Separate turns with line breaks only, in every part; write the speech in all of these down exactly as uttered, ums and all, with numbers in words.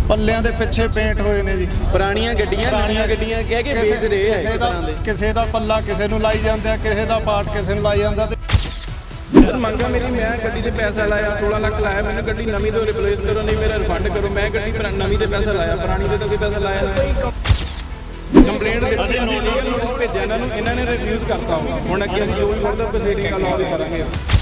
ਪੱਲਿਆਂ ਦੇ ਪਿੱਛੇ ਪੇਂਟ ਹੋਏ ਨੇ ਜੀ।
ਪੁਰਾਣੀਆਂ ਗੱਡੀਆਂ ਨਵੀਆਂ ਗੱਡੀਆਂ ਕਹਿ ਕੇ ਵੇਚ ਰਹੇ ਆ ਇੱਕ ਤਰ੍ਹਾਂ ਦੇ।
ਕਿਸੇ ਦਾ ਪੱਲਾ ਕਿਸੇ ਨੂੰ ਲਾਈ ਜਾਂਦੇ ਆ, ਕਿਸੇ ਦਾ ਪਾਰਟ ਕਿਸੇ ਨੂੰ ਲਾਈ ਜਾਂਦਾ।
ਸਰ ਮੰਗਾ ਮੇਰੀ, ਮੈਂ ਗੱਡੀ ਤੇ ਪੈਸਾ ਲਾਇਆ ਸੋਲਾਂ ਲੱਖ ਲਾਇਆ, ਮੈਨੂੰ ਗੱਡੀ ਨਵੀਂ ਤੋਂ ਰਿਪਲੇਸ ਕਰੋ, ਨਹੀਂ ਮੇਰਾ ਰਿਫੰਡ ਕਰੋ। ਮੈਂ ਗੱਡੀ ਨਵੀਂ ਤੇ ਪੈਸਾ ਲਾਇਆ, ਪੁਰਾਣੀ ਤੇ ਤਾਂ ਕੋਈ ਪੈਸਾ ਲਾਇਆ ਨਹੀਂ। ਕੰਪਲੇਂਟ ਦਿੱਤੀ, ਅਸੀਂ ਨੋਟਿਸ ਭੇਜਿਆ ਇਹਨਾਂ ਨੂੰ, ਇਹਨਾਂ ਨੇ ਰਿਫਿਊਜ਼ ਕਰਤਾ। ਹੁਣ ਅੱਗੇ ਅਸੀਂ ਜੋ ਵੀ ਫਰਦਰ ਪ੍ਰੋਸੀਡਿੰਗ ਆ ਲਾਅ ਦੀ ਕਰਾਂਗੇ।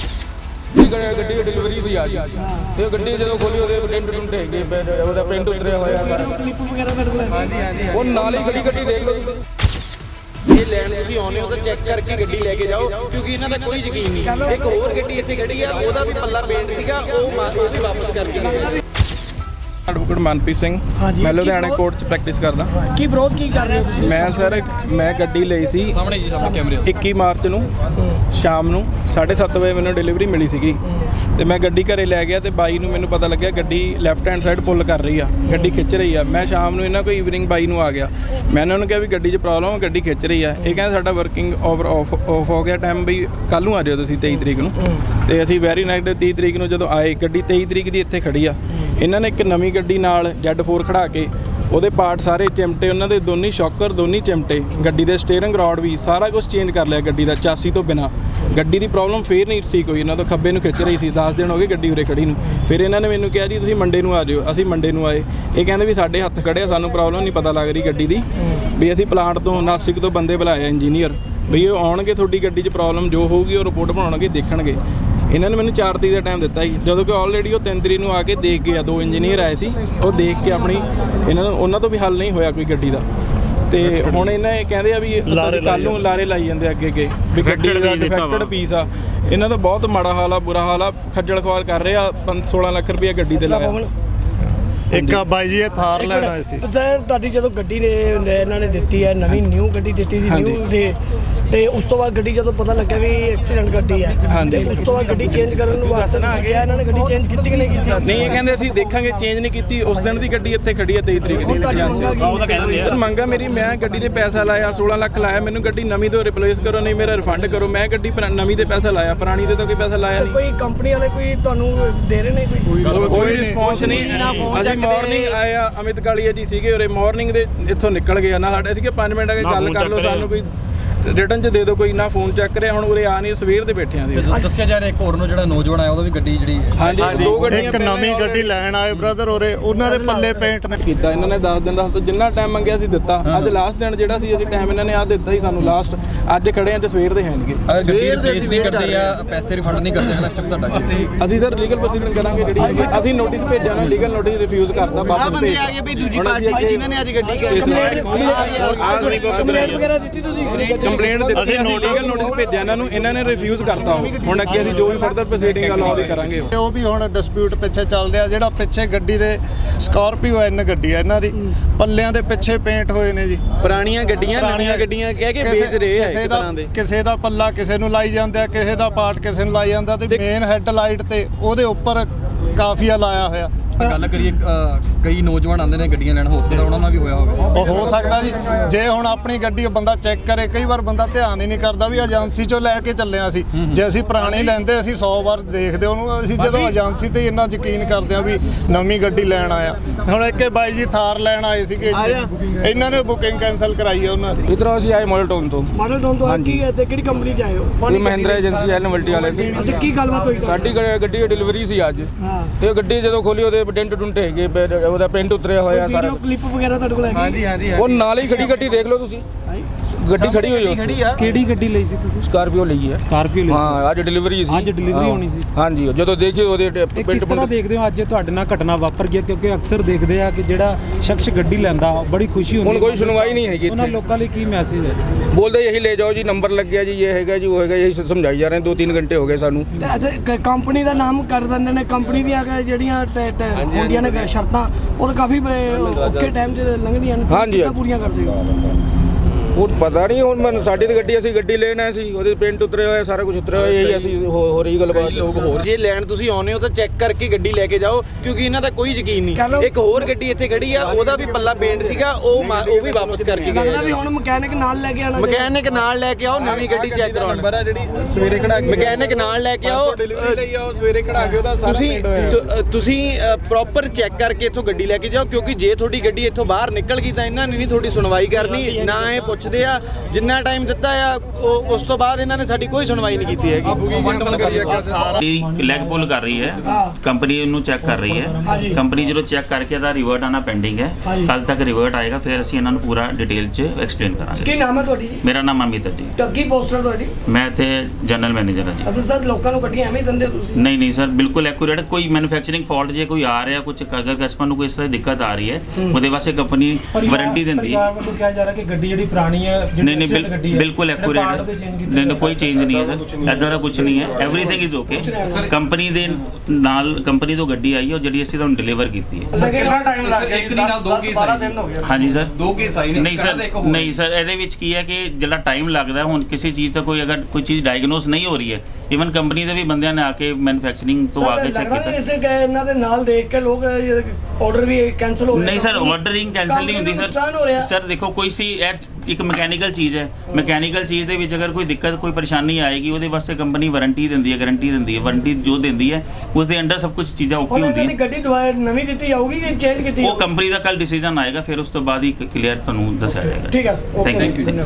ਗੱਡੀ ਦੀ ਡਿਲੀਵਰੀ ਸੀ ਅੱਜ, ਤੇ ਗੱਡੀ ਜਦੋਂ ਖੋਲੀ ਉਹਦੇ ਪ੍ਰਿੰਟ ਟੁੰਟ ਹੈਗੇ, ਉਹਦਾ ਪ੍ਰਿੰਟ ਉਤਰਿਆ ਹੋਇਆ ਸਾਰਾ। ਹਾਂਜੀ ਹਾਂਜੀ, ਉਹ ਨਾਲ ਹੀ ਗੱਡੀ ਗੱਡੀ ਦੇਖ ਲਓ ਤੁਸੀਂ।
ਇਹ ਲੈਣ ਤੁਸੀਂ ਆਉਂਦੇ ਹੋ ਤਾਂ ਚੈੱਕ ਕਰਕੇ ਗੱਡੀ ਲੈ ਕੇ ਜਾਓ, ਕਿਉਂਕਿ ਇਹਨਾਂ ਦਾ ਕੋਈ ਯਕੀਨ ਨਹੀਂ। ਇੱਕ ਹੋਰ ਗੱਡੀ ਇੱਥੇ ਖੜੀ ਆ, ਉਹਦਾ ਵੀ ਪੱਲਾ ਪੇਂਟ ਸੀਗਾ, ਉਹ ਉਹ ਵੀ ਵਾਪਸ ਕਰਕੇ ਗਏ।
ਐਡਵੋਕੇਟ ਮਨਪ੍ਰੀਤ ਸਿੰਘ, ਮੈਂ ਲੁਧਿਆਣਾ ਕੋਰਟ 'ਚ ਪ੍ਰੈਕਟਿਸ ਕਰਦਾ।
ਕੀ ਵਿਰੋਧ ਕੀ ਕਰ ਰਹੇ ਹੋ ਤੁਸੀਂ?
ਮੈਂ ਸਰ ਮੈਂ ਗੱਡੀ ਲਈ ਸੀ
ਸਾਹਮਣੇ ਜੀ, ਸਾਹਮਣੇ ਕੈਮਰੇ।
ਇੱਕੀ ਮਾਰਚ ਨੂੰ ਸ਼ਾਮ ਨੂੰ ਸਾਢੇ ਸੱਤ ਵਜੇ ਮੈਨੂੰ ਡਿਲੀਵਰੀ ਮਿਲੀ ਸੀਗੀ, ਤੇ ਮੈਂ ਗੱਡੀ ਘਰੇ ਲੈ ਗਿਆ, ਤੇ ਬਾਈ ਨੂੰ ਮੈਨੂੰ ਪਤਾ ਲੱਗਿਆ ਗੱਡੀ ਲੈਫਟ ਹੈਂਡ ਸਾਈਡ ਪੁੱਲ ਕਰ ਰਹੀ ਆ, ਗੱਡੀ ਖਿੱਚ ਰਹੀ ਆ। ਮੈਂ ਸ਼ਾਮ ਨੂੰ ਇਹਨਾਂ ਕੋਈ ਈਵਨਿੰਗ ਬਾਈ ਨੂੰ ਆ ਗਿਆ, ਮੈਂ ਇਹਨਾਂ ਨੂੰ ਕਿਹਾ ਵੀ ਗੱਡੀ 'ਚ ਪ੍ਰੋਬਲਮ, ਗੱਡੀ ਖਿੱਚ ਰਹੀ ਆ। ਇਹ ਕਹਿੰਦੇ ਸਾਡਾ ਵਰਕਿੰਗ ਓਵਰ ਆਫ ਆਫ ਹੋ ਗਿਆ ਟਾਈਮ, ਵੀ ਕੱਲ੍ਹ ਨੂੰ ਆ ਜਾਓ ਤੁਸੀਂ ਤੇਈ ਤਰੀਕ ਨੂੰ। ਤੇ ਅਸੀਂ ਵੈਰੀ ਨੈਗੇਟਿਵ ਤੀਹ ਤਰੀਕ ਨੂੰ ਜਦੋਂ ਆਏ, ਗੱਡੀ ਤੇਈ ਤਰੀਕ ਦੀ ਇੱਥੇ ਖੜੀ ਆ। ਇਹਨਾਂ ਨੇ ਇੱਕ ਨਵੀਂ ਗੱਡੀ ਨਾਲ ਜੈਡ ਫੋਰ ਖੜਾ ਕੇ ਉਹਦੇ ਪਾਰਟ ਸਾਰੇ ਚਿਮਟੇ, ਉਹਨਾਂ ਦੇ ਦੋਨੀ ਸ਼ੌਕਰ ਦੋਨੀ ਚਿਮਟੇ, ਗੱਡੀ ਦੇ ਸਟੀਅਰਿੰਗ ਰੋਡ ਵੀ ਸਾਰਾ ਕੁਝ ਚੇਂਜ ਕਰ ਲਿਆ ਗੱਡੀ ਦਾ ਚਾਸੀ ਤੋਂ ਬਿਨਾਂ। ਗੱਡੀ ਦੀ ਪ੍ਰੋਬਲਮ ਫੇਰ ਨਹੀਂ ਠੀਕ ਹੋਈ, ਇਹਨਾਂ ਤੋਂ ਖੱਬੇ ਨੂੰ ਖਿੱਚ ਰਹੀ ਸੀ। ਦਸ ਦਿਨ ਹੋ ਗਏ ਗੱਡੀ ਉਰੇ ਖੜੀ ਨੂੰ। ਫਿਰ ਇਹਨਾਂ ਨੇ ਮੈਨੂੰ ਕਿਹਾ ਜੀ ਤੁਸੀਂ ਮੰਡੇ ਨੂੰ ਆ ਜਾਓ। ਅਸੀਂ ਮੰਡੇ ਨੂੰ ਆਏ, ਇਹ ਕਹਿੰਦੇ ਵੀ ਸਾਡੇ ਹੱਥ ਖੜੇ ਆ, ਸਾਨੂੰ ਪ੍ਰੋਬਲਮ ਨਹੀਂ ਪਤਾ ਲੱਗ ਰਹੀ ਗੱਡੀ ਦੀ, ਵੀ ਅਸੀਂ ਪਲਾਂਟ ਤੋਂ ਨਾਸਿਕ ਤੋਂ ਬੰਦੇ ਬੁਲਾਏ ਇੰਜੀਨੀਅਰ, ਵੀ ਉਹ ਆਉਣਗੇ ਤੁਹਾਡੀ ਗੱਡੀ 'ਚ ਪ੍ਰੋਬਲਮ ਜੋ ਹੋਊਗੀ ਉਹ ਰਿਪੋਰਟ ਬਣਾਉਣਗੇ, ਦੇਖਣਗੇ। ਇਹਨਾਂ ਨੇ ਮੈਨੂੰ ਚਾਰ ਤਰੀਕ ਦਾ ਟਾਈਮ ਦਿੱਤਾ ਸੀ, ਜਦੋਂ ਕਿ ਆਲਰੇਡੀ ਉਹ ਤਿੰਨ ਤਰੀਕ ਨੂੰ ਆ ਕੇ ਦੇਖ ਗਏ ਆ। ਦੋ ਇੰਜੀਨੀਅਰ ਆਏ ਸੀ, ਉਹ ਦੇਖ ਕੇ ਆਪਣੀ ਇਹਨਾਂ ਨੂੰ ਉਹਨਾਂ ਤੋਂ ਵੀ ਹੱਲ ਨਹੀਂ ਹੋਇਆ ਕੋਈ ਗੱਡੀ ਦਾ। ਤੇ ਹੁਣ ਇਹਨਾਂ ਇਹ ਕਹਿੰਦੇ ਆ ਵੀ ਕੱਲ੍ਹ ਨੂੰ ਲਾਰੇ ਲਾਈ ਜਾਂਦੇ ਅੱਗੇ ਅੱਗੇ ਵੀ ਗੱਡੀ ਦਾ ਡਿਫੈਕਟਡ ਪੀਸ ਆ। ਇਹਨਾਂ ਦਾ ਬਹੁਤ ਮਾੜਾ ਹਾਲ ਆ, ਬੁਰਾ ਹਾਲ ਆ, ਖੱਜਲ ਖਵਾਲ ਕਰ ਰਹੇ ਆ। ਸੋਲਾਂ ਲੱਖ ਰੁਪਈਆ ਗੱਡੀ ਤੇ ਲਾਇਆ।
ਇੱਕ ਆ ਬਾਈ ਜੀ ਇਹ ਥਾਰ ਲੈਣ ਆਏ ਸੀ।
ਸਰ ਤੁਹਾਡੀ ਜਦੋਂ ਗੱਡੀ ਨੇ ਇਹਨਾਂ ਨੇ ਦਿੱਤੀ ਹੈ, ਨਵੀਂ ਨਿਊ ਗੱਡੀ ਦਿੱਤੀ ਸੀ ਨਿਊ ਦੇ, ਤੇ ਉਸ ਤੋਂ ਬਾਅਦ ਗੱਡੀ ਜਦੋਂ ਪਤਾ ਲੱਗਿਆ ਵੀ ਐਕਸੀਡੈਂਟ ਗੱਡੀ ਹੈ, ਤੇ ਉਸ ਤੋਂ ਬਾਅਦ ਗੱਡੀ ਚੇਂਜ ਕਰਨ ਨੂੰ ਵਾਸਤੇ ਨਾ ਗਿਆ, ਇਹਨਾਂ ਨੇ ਗੱਡੀ ਚੇਂਜ ਕੀਤੀ ਕਿ ਨਹੀਂ ਕੀਤੀ?
ਨਹੀਂ, ਇਹ ਕਹਿੰਦੇ ਅਸੀਂ ਦੇਖਾਂਗੇ, ਚੇਂਜ ਨਹੀਂ ਕੀਤੀ। ਉਸ ਦਿਨ ਦੀ ਗੱਡੀ ਇੱਥੇ ਖੜੀ ਹੈ ਤੇਈ ਤਰੀਕ ਦੀ। ਸਰ ਮੰਗਾ ਮੇਰੀ, ਮੈਂ ਗੱਡੀ ਤੇ ਪੈਸਾ ਲਾਇਆ ਸੋਲਾਂ ਲੱਖ ਲਾਇਆ, ਮੈਨੂੰ ਗੱਡੀ ਨਵੀਂ ਤੋਂ ਰਿਪਲੇਸ ਕਰੋ, ਨਹੀਂ ਮੇਰਾ ਰਿਫੰਡ ਕਰੋ। ਮੈਂ ਗੱਡੀ ਨਵੀਂ ਤੇ ਪੈਸਾ ਲਾਇਆ, ਪੁਰਾਣੀ ਤੇ ਤਾਂ ਕੋਈ ਪੈਸਾ ਲਾਇਆ ਨਹੀਂ।
ਕੋਈ ਕੰਪਨੀ ਵਾਲੇ ਕੋਈ ਤੁਹਾਨੂੰ ਦੇ ਰਹੇ ਨੇ ਕੋਈ
ਕੋਈ ਰਿਸਪੌਂਸ ਨਹੀਂ। ਅਸੀਂ ਮਾਰਨਿੰਗ ਆਏ ਆ, ਅਮਿਤ ਕਾਲੀਆ ਜੀ ਸੀਗੇ ਉਰੇ, ਮਾਰਨਿੰਗ ਦੇ ਇੱਥੋਂ ਨਿਕਲ ਗਏ ਨਾ। ਸਾਡੇ ਸੀਗੇ ਪੰਜ ਮਿੰਟ ਆ ਕੇ ਗੱਲ ਕਰ ਲਓ, ਸਾਨੂੰ ਕੋਈ ਰਿਟਰਨ 'ਚ ਦੇ ਦਿਓ, ਕੋਈ ਨਾ ਫੋਨ ਚੱਕ ਰਿਹਾ। ਹੁਣ ਉਰੇ ਆ ਨਹੀਂ, ਸਵੇਰ ਦੇ ਬੈਠੇ ਆਂ।
ਦੱਸਿਆ ਜਾ ਰਿਹਾ ਇੱਕ ਹੋਰ ਨੂੰ ਜਿਹੜਾ ਨੌਜਵਾਨ ਆਇਆ ਉਹਦਾ ਵੀ ਗੱਡੀ ਜਿਹੜੀ
ਹਾਂਜੀ ਦੋ ਗੱਡੀਆਂ,
ਇੱਕ ਨਵੀਂ ਗੱਡੀ ਲੈਣ ਆਏ ਬ੍ਰਦਰ ਉਰੇ, ਉਹਨਾਂ ਦੇ ਪੱਲੇ ਪੇਂਟ ਨੇ
ਕੀਤਾ। ਇਹਨਾਂ ਨੇ ਦਸ ਦਿਨ ਦਾ ਜਿੰਨਾ ਟਾਈਮ ਮੰਗਿਆ ਸੀ ਦਿੱਤਾ। ਅੱਜ ਲਾਸਟ ਦਿਨ ਜਿਹੜਾ ਸੀ ਅਸੀਂ ਟਾਈਮ ਇਹਨਾਂ ਨੇ ਆ ਦਿੱਤਾ ਸੀ ਸਾਨੂੰ ਲਾਸਟ। ਅੱਜ ਖੜੇ ਆਂ ਤੇ ਸਵੇਰ ਦੇ ਹੈਣਗੇ।
ਗੱਡੀ ਰਿਪਲੇਸ ਨਹੀਂ ਕਰਦੇ ਆ, ਪੈਸੇ ਰਿਫੰਡ ਨਹੀਂ ਕਰਦੇ ਆ, ਸਟੈਪ ਤੁਹਾਡਾ
ਅਸੀਂ ਸਰ ਲੀਗਲ ਪ੍ਰੋਸੀਡਿੰਗ ਕਰਾਂਗੇ। ਜਿਹੜੀ ਅਸੀਂ ਨੋਟਿਸ ਭੇਜਿਆ ਨਾ, ਲੀਗਲ ਨੋਟਿਸ ਰਿਫਿਊਜ਼ ਕਰਤਾ, ਵਾਪਸ ਭੇਜ
ਆ ਗਏ ਵੀ ਦੂਜੀ ਪਾਰਟੀ ਜਿਨ੍ਹਾਂ ਨੇ ਅੱਜ ਗੱਡੀ
ਕੰਪਲੇਂਟ ਵਗੈਰਾ ਦਿੱਤੀ ਤੁਸੀਂ?
ਕੰਪਲੇਂਟ ਦਿੱਤੀ, ਲੀਗਲ ਨੋਟਿਸ ਭੇਜਿਆ ਇਹਨਾਂ ਨੂੰ, ਇਹਨਾਂ ਨੇ ਰਿਫਿਊਜ਼ ਕਰਤਾ। ਹੁਣ ਅੱਗੇ ਅਸੀਂ ਜੋ ਵੀ ਫਰਦਰ ਪ੍ਰੋਸੀਡਿੰਗ ਆ ਲਾਅ ਦੀ ਕਰਾਂਗੇ।
ਉਹ ਵੀ ਹੁਣ ਡਿਸਪਿਊਟ ਪਿੱਛੇ ਚੱਲ ਰਿਹਾ। ਜਿਹੜਾ ਪਿੱਛੇ ਗੱਡੀ ਦੇ ਸਕਾਰਪੀਓ ਐਨ ਗੱਡੀ ਆ, ਇਹਨਾਂ ਦੀ ਪੱਲਿਆਂ ਦੇ ਪਿੱਛੇ ਪੇਂਟ ਹੋਏ ਨੇ ਜੀ।
ਪੁਰਾਣੀਆਂ ਗੱਡੀਆਂ ਨਵੀਆਂ ਗੱਡੀਆਂ ਕਹਿ ਕੇ ਵੇਚ ਰਹੇ ਆ ਇੱਕ ਤਰ੍ਹਾਂ ਦੇ।
ਕਿਸੇ ਦਾ ਪੱਲਾ ਕਿਸੇ ਨੂੰ ਲਾਈ ਜਾਂਦੇ ਆ, ਕਿਸੇ ਦਾ ਪਾਰਟ ਕਿਸੇ ਨੂੰ ਲਾਈ ਜਾਂਦਾ, ਤੇ ਮੇਨ ਹੈੱਡਲਾਈਟ ਤੇ ਉਹਦੇ ਉੱਪਰ ਕਾਫੀਆ ਲਾਇਆ ਹੋਇਆ।
ਗੱਲ ਕਰੀਏ, ਕਈ ਨੌਜਵਾਨ ਆਉਂਦੇ ਨੇ ਗੱਡੀਆਂ ਲੈਣ, ਹੋ ਸਕਦਾ ਉਹਨਾਂ ਨਾਲ ਵੀ ਹੋਇਆ ਹੋਵੇ।
ਉਹ ਹੋ ਸਕਦਾ ਜੀ, ਜੇ ਹੁਣ ਆਪਣੀ ਗੱਡੀ ਬੰਦਾ ਚੈੱਕ ਕਰੇ। ਕਈ ਵਾਰ ਬੰਦਾ ਧਿਆਨ ਹੀ ਨਹੀਂ ਕਰਦਾ ਵੀ ਏਜੰਸੀ ਚੋਂ ਲੈ ਕੇ ਚੱਲਿਆ ਸੀ। ਜੇ ਅਸੀਂ ਪੁਰਾਣੀ ਲੈਂਦੇ ਅਸੀਂ ਸੌ ਵਾਰ ਦੇਖਦੇ ਉਹਨੂੰ। ਅਸੀਂ ਜਦੋਂ ਏਜੰਸੀ ਤੇ ਇੰਨਾ ਯਕੀਨ ਕਰਦੇ ਆ ਵੀ ਨਵੀਂ ਗੱਡੀ ਲੈਣ ਆਇਆ। ਹੁਣ ਇੱਕ ਬਾਈ ਜੀ ਥਾਰ ਲੈਣ ਆਏ ਸੀਗੇ, ਇਹਨਾਂ ਨੇ ਬੁਕਿੰਗ ਕੈਂਸਲ ਕਰਾਈ ਹੈ ਉਹਨਾਂ ਦੀ।
ਇਧਰੋਂ ਅਸੀਂ ਆਏ ਮਾਡਲ ਟਾਊਨ ਤੋਂ।
ਮਾਡਲ ਟਾਊਨ ਤੋਂ ਕੀ ਹੈ ਤੇ ਕਿਹੜੀ ਕੰਪਨੀ 'ਚ ਆਏ ਹੋ?
ਮਹਿੰਦਰਾ ਏਜੰਸੀ ਐਲ ਨਵਲਟੀ ਵਾਲੇ ਦੀ।
ਅੱਛਾ, ਕੀ ਗੱਲਬਾਤ ਹੋਈ?
ਸਾਡੀ ਗੱਡੀ ਦੀ ਡਿਲੀਵਰੀ ਸੀ ਅੱਜ, ਤੇ ਗੱਡੀ ਜਦੋਂ ਖੋਲੀ ਉਹਦੇ ਡੈਂਟ ਡੁੰਟ ਹੈਗੇ, ਉਹਦਾ ਪ੍ਰਿੰਟ ਉਤਰਿਆ ਹੋਇਆ ਸਾਰਾ।
ਵੀਡੀਓ ਕਲਿੱਪ ਵਗੈਰਾ ਤੁਹਾਡੇ ਕੋਲ ਹੈਗੀ?
ਹਾਂਜੀ ਹਾਂਜੀ,
ਉਹ ਨਾਲ ਹੀ ਖੜੀ ਗੱਡੀ ਦੇਖ ਲਓ ਤੁਸੀਂ, ਗੱਡੀ ਖੜੀ ਹੋਈ ਹੈ।
ਕਿਹੜੀ ਗੱਡੀ ਲਈ ਸੀ ਤੁਸੀਂ?
ਸਕਾਰਪੀਓ ਲਈ ਹੈ।
ਸਕਾਰਪੀਓ ਲਈ ਸੀ?
ਹਾਂ, ਅੱਜ ਡਿਲੀਵਰੀ ਸੀ।
ਅੱਜ ਡਿਲੀਵਰੀ ਹੋਣੀ ਸੀ?
ਹਾਂਜੀ, ਜਦੋਂ ਦੇਖੀ ਉਹਦੇ
ਕਿਸ ਤਰ੍ਹਾਂ ਦੇਖਦੇ ਹੋ ਅੱਜ ਤੁਹਾਡੇ ਨਾਲ ਘਟਨਾ ਵਾਪਰ ਗਈ? ਕਿਉਂਕਿ ਅਕਸਰ ਦੇਖਦੇ ਆ ਕਿ ਜਿਹੜਾ ਸ਼ਖਸ ਗੱਡੀ ਲੈਂਦਾ ਬੜੀ ਖੁਸ਼ੀ ਹੁੰਦੀ ਹੈ।
ਹੁਣ ਕੋਈ ਸੁਣਵਾਈ ਨਹੀਂ ਹੈਗੀ
ਉਹਨਾਂ ਲੋਕਾਂ ਲਈ ਕੀ ਮੈਸੇਜ ਹੈ?
ਬੋਲਦੇ ਯਹੀ ਲੈ ਜਾਓ ਜੀ, ਨੰਬਰ ਲੱਗ ਗਿਆ ਜੀ, ਇਹ ਹੈਗਾ ਜੀ, ਉਹ ਹੈਗਾ, ਯਹੀ ਸਮਝਾਈ ਜਾ ਰਹੇ ਦੋ ਤਿੰਨ ਘੰਟੇ ਹੋ ਗਏ ਸਾਨੂੰ।
ਅੱਛਾ, ਕੰਪਨੀ ਦਾ ਨਾਮ ਕਰ ਦਿੰਦੇ ਨੇ, ਕੰਪਨੀ ਦੀਆਂ ਜਿਹੜੀਆਂ ਹੁੰਦੀਆਂ ਨੇ ਸ਼ਰਤਾਂ, ਉਹ ਤਾਂ ਕਾਫੀ ਔਖੇ ਟਾਈਮ 'ਚ ਲੰਘਦੀਆਂ ਨੇ।
ਹਾਂਜੀ,
ਪੂਰੀਆਂ ਕਰਦੇ ਹੋ?
ਉਹ ਪਤਾ ਨਹੀਂ ਹੁਣ ਮੈਨੂੰ ਸਾਡੀ ਤਾਂ ਗੱਡੀ ਅਸੀਂ ਗੱਡੀ ਲੈਣ ਆਏ ਸੀ ਉਹਦੇ ਪੇਂਟ ਉਤਰੇ ਹੋਏ ਸਾਰਾ ਕੁਝ ਉਤਰਿਆ ਹੋਇਆ ਇਹੀ ਅਸੀਂ ਹੋ ਹੋ ਰਹੀ ਗੱਲਬਾਤ
ਲੋਕ ਹੋਰ ਜੇ ਲੈਣ ਤੁਸੀਂ ਆਉਨੇ ਹੋ ਤਾਂ ਚੈੱਕ ਕਰਕੇ ਗੱਡੀ ਲੈ ਕੇ ਜਾਓ ਕਿਉਂਕਿ ਇਹਨਾਂ ਦਾ ਕੋਈ ਯਕੀਨ ਨਹੀਂ। ਇੱਕ ਹੋਰ ਗੱਡੀ ਇੱਥੇ ਖੜੀ ਆ ਉਹਦਾ ਵੀ ਪੱਲਾ ਪੇਂਟ ਸੀਗਾ ਉਹ ਮਾ- ਉਹ ਵੀ ਵਾਪਸ ਕਰਕੇ ਗਏ
ਲੱਗਦਾ ਵੀ ਹੁਣ ਮਕੈਨਿਕ ਨਾਲ ਲੈ ਕੇ ਆਣਾ
ਮਕੈਨਿਕ ਨਾਲ ਲੈ ਕੇ ਆਓ ਨਵੀਂ ਗੱਡੀ ਚੈੱਕ ਕਰਾਉਣ
ਨੰਬਰ ਆ ਜਿਹੜੀ ਸਵੇਰੇ ਖੜਾ ਕੇ
ਮਕੈਨਿਕ ਨਾਲ ਲੈ ਕੇ ਆਓ
ਡਿਲੀਵਰੀ ਲਈ ਆ ਉਹ ਸਵੇਰੇ ਖੜਾ ਕੇ ਉਹਦਾ ਸਾਰਾ
ਤੁਸੀਂ
paint ਹੋਇਆ।
ਤੁ- ਤੁਸੀਂ ਪ੍ਰੋਪਰ ਚੈੱਕ ਕਰਕੇ ਇੱਥੋਂ ਗੱਡੀ ਲੈ ਕੇ ਜਾਓ ਕਿਉਂਕਿ ਜੇ ਤੁਹਾਡੀ ਗੱਡੀ ਇੱਥੋਂ ਬਾਹਰ ਨਿਕਲ ਗਈ ਤਾਂ ਇਹਨਾਂ ਨੇ ਨਹੀਂ ਤੁਹਾਡੀ ਸੁਣਵਾਈ ਕਰਨੀ ਨਾ ਇਹ ਪੁੱਛਦੇ ਆ ਜਿੰਨਾ ਟਾਈਮ ਦਿੱਤਾ ਆ ਉਹ ਉਸ ਤੋਂ ਬਾਅਦ ਇਹਨਾਂ ਨੇ ਸਾਡੀ ਕੋਈ ਸੁਣਵਾਈ ਨਹੀਂ ਕੀਤੀ ਹੈਗੀ।
ਲੈਗ ਪੁੱਲ ਕਰ ਰਹੀ ਹੈ ਕੰਪਨੀ ਨੂੰ ਚੈੱਕ ਕਰ ਰਹੀ ਹੈ ਕੰਪਨੀ ਜਦੋਂ ਚੈੱਕ ਕਰਕੇ ਇਹਦਾ ਰਿਵਰਟ ਆਣਾ ਪੈਂਡਿੰਗ ਹੈ ਕੱਲ ਤੱਕ ਰਿਵਰਟ ਆਏਗਾ ਫਿਰ ਅਸੀਂ ਇਹਨਾਂ ਨੂੰ ਪੂਰਾ ਡਿਟੇਲ 'ਚ ਐਕਸਪਲੇਨ ਕਰਾਂਗੇ।
ਕੀ ਨਾਮ ਹੈ ਤੁਹਾਡੀ?
ਮੇਰਾ ਨਾਮ ਅਮਿਤ ਹੈ ਜੀ।
ਟੱਗੀ ਪੋਸਟਰ ਤੁਹਾਡੀ?
ਮੈਂ ਇੱਥੇ ਜਨਰਲ ਮੈਨੇਜਰ ਹਾਂ ਜੀ।
ਅਸਲ ਸਰ ਲੋਕਾਂ ਨੂੰ ਗੱਡੀਆਂ ਐਵੇਂ ਹੀ ਦਿੰਦੇ ਹੋ ਤੁਸੀਂ?
ਨਹੀਂ ਨਹੀਂ ਸਰ ਬਿਲਕੁਲ ਐਕੂਰੇਟ ਕੋਈ ਮੈਨੂਫੈਕਚਰਿੰਗ ਫਾਲਟ ਜੇ ਕੋਈ ਆ ਰਿਹਾ ਕੁਝ ਅਗਰ ਕਸਟਮਰ ਨੂੰ ਕੋਈ ਇਸ ਤਰ੍ਹਾਂ ਦੀ ਦਿੱਕਤ ਆ ਰਹੀ ਹੈ ਉਹਦੇ ਵਾਸਤੇ ਕੰਪਨੀ ਵਾਰੰਟੀ ਦਿੰਦੀ ਹੈ।
ਪਰਿਵਾਰ ਵੱਲੋਂ ਕਿਹਾ ਜਾ ਰਿਹਾ ਕਿ ਗੱਡੀ ਜਿਹੜੀ ਪੁਰਾਣੀ ਹੈ
ਨਹੀਂ ਨਹੀਂ ਬਿਲ- ਬਿਲਕੁਲ ਐਕੂਰੇਟ ਨਹੀਂ ਨਹੀਂ ਕੋਈ ਚੇਂਜ ਨਹੀਂ ਹੈ ਸਰ ਇੱਦਾਂ ਦਾ ਕੁਝ ਨਹੀਂ ਹੈ ਐਵਰੀਥਿੰਗ ਇਜ਼ ਓਕੇ ਕੰਪਨੀ ਦੇ ਨਾਲ ਕੰਪਨੀ ਤੋਂ ਗੱਡੀ ਆਈ ਹੈ ਜਿਹੜੀ ਅਸੀਂ ਤੁਹਾਨੂੰ ਡਿਲੀਵਰ ਕੀਤੀ ਹੈ।
ਕਿੰਨਾ ਟਾਈਮ ਲੱਗ ਗਿਆ?
ਇੱਕ ਦਿਨ ਨਾਲ ਦੋ ਕੇਸ ਆਏ
ਹਾਂਜੀ ਸਰ
ਦੋ ਕੇਸ ਆਏ ਨੇ
ਨਹੀਂ ਸਰ ਨਹੀਂ ਸਰ ਇਹਦੇ ਵਿੱਚ ਕੀ ਹੈ ਕਿ ਜਿਹੜਾ ਟਾਈਮ ਲੱਗਦਾ ਹੁਣ ਕਿਸੇ ਚੀਜ਼ ਦਾ ਕੋਈ ਅਗਰ ਕੋਈ ਚੀਜ਼ ਡਾਇਗਨੋਸ ਨਹੀਂ ਹੋ ਰਹੀ ਹੈ ਇਵਨ ਕੰਪਨੀ ਦੇ ਵੀ ਬੰਦਿਆਂ ਨੇ ਆ ਕੇ ਮੈਨੂਫੈਕਚਰਿੰਗ ਤੋਂ ਆ ਕੇ ਚੈੱਕ
ਲੱਗਦਾ
ਕੀਤਾ।
ਨਹੀਂ ਇਸੇ ਗਏ ਇਹਨਾਂ ਦੇ ਨਾਲ ਦੇਖ ਕੇ ਲੋਕ ਆਰਡਰ ਵੀ ਕੈਨਸਲ ਹੋ ਰਹੇ
ਨਹੀਂ ਸਰ ਆਰਡਰਿੰਗ ਕੈਂਸਲ ਨਹੀਂ ਹੁੰਦੀ
ਨੁਕਸਾਨ ਹੋ ਰਿਹਾ।
ਸਰ ਸਰ ਦੇਖੋ ਕੋਈ ਸੀ ਇਹ ਇੱਕ ਮਕੈਨੀਕਲ ਚੀਜ਼ ਹੈ ਮਕੈਨੀਕਲ ਚੀਜ਼ ਦੇ ਵਿੱਚ ਅਗਰ ਕੋਈ ਦਿੱਕਤ ਕੋਈ ਪਰੇਸ਼ਾਨੀ ਆਏਗੀ ਉਹਦੇ ਵਾਸਤੇ ਕੰਪਨੀ ਵਾਰੰਟੀ ਦਿੰਦੀ ਹੈ ਗਾਰੰਟੀ ਦਿੰਦੀ ਹੈ ਵਾਰੰਟੀ ਜੋ ਦਿੰਦੀ ਹੈ ਉਸ ਦੇ ਅੰਡਰ ਸਭ ਕੁਝ ਚੀਜ਼ਾਂ ਓਕੇ
ਹੁਣ ਇਹਨਾਂ
ਹੁੰਦੀਆਂ
ਦੀ ਗੱਡੀ ਦੁਬਾਰਾ ਨਵੀਂ ਦਿੱਤੀ ਜਾਊਗੀ ਕਿ ਚੇਂਜ ਕੀਤੀ
ਉਹ ਕੰਪਨੀ ਦਾ ਕੱਲ ਡਿਸੀਜਨ ਆਏਗਾ ਫਿਰ ਉਸ ਤੋਂ ਬਾਅਦ ਹੀ ਕਲੀਅਰ ਤੁਹਾਨੂੰ ਦੱਸਿਆ ਜਾਏਗਾ।
ਠੀਕ ਹੈ, okay,
thank
thank
you
you.